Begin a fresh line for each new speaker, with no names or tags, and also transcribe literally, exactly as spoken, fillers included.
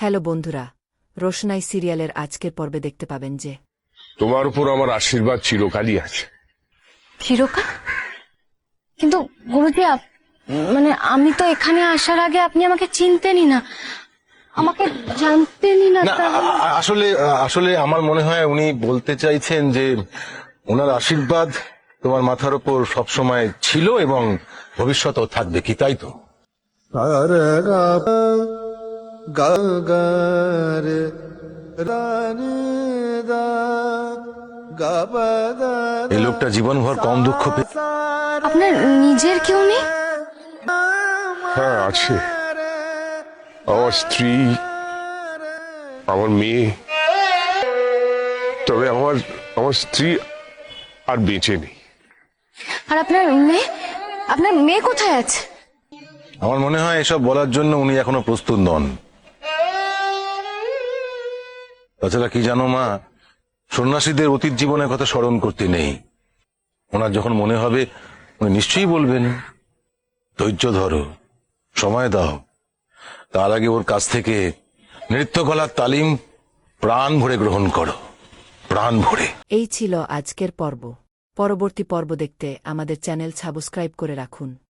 Hello বন্ধুরা, রোশনাই সিরিয়ালের আজকের পর্বে দেখতে পাবেন যে
তোমার উপর আমার আশীর্বাদ চিরকালই আছে।
চিরকাল? কিন্তু গুরুজি, আপ- মানে আমি তো এখানে আসার আগে আপনি আমাকে চিনতেনই না, আমাকে জানতেনই না।
না
তাহলে
আ- আ- আসলে আসলে আমার মনে হয় উনি বলতে চাইছেন যে ওনার আশীর্বাদ তোমার মাথার উপর সবসময় ছিল এবং ভবিষ্যতেও থাকবে, কি তাই তো? এই লোকটা জীবনভর কম দুঃখ পেয়ে
আপনার নিজের কেউ নেই?
হ্যাঁ আছে, আমার স্ত্রী, আমার মেয়ে। তবে আমার আমার স্ত্রী আর বেঁচে নেই।
আর আপনার মেয়ে? আপনার মেয়ে কোথায় আছে?
আমার মনে হয় এসব বলার জন্য উনি এখনো প্রস্তুত নন। তাছাড়া কি জানো মা, সন্ন্যাসীদের অতীত জীবনের কথা স্মরণ করতে নেই। ওনার যখন মনে হবে উনি নিশ্চয়ই বলবেন। ধৈর্য ধরো, সময় দাও। তার আগে ওর কাছ থেকে নৃত্যকলার তালিম প্রাণ ভরে গ্রহণ করো, প্রাণ ভরে।
এই ছিল আজকের পর্ব। পরবর্তী পর্ব দেখতে আমাদের চ্যানেল সাবস্ক্রাইব করে রাখুন।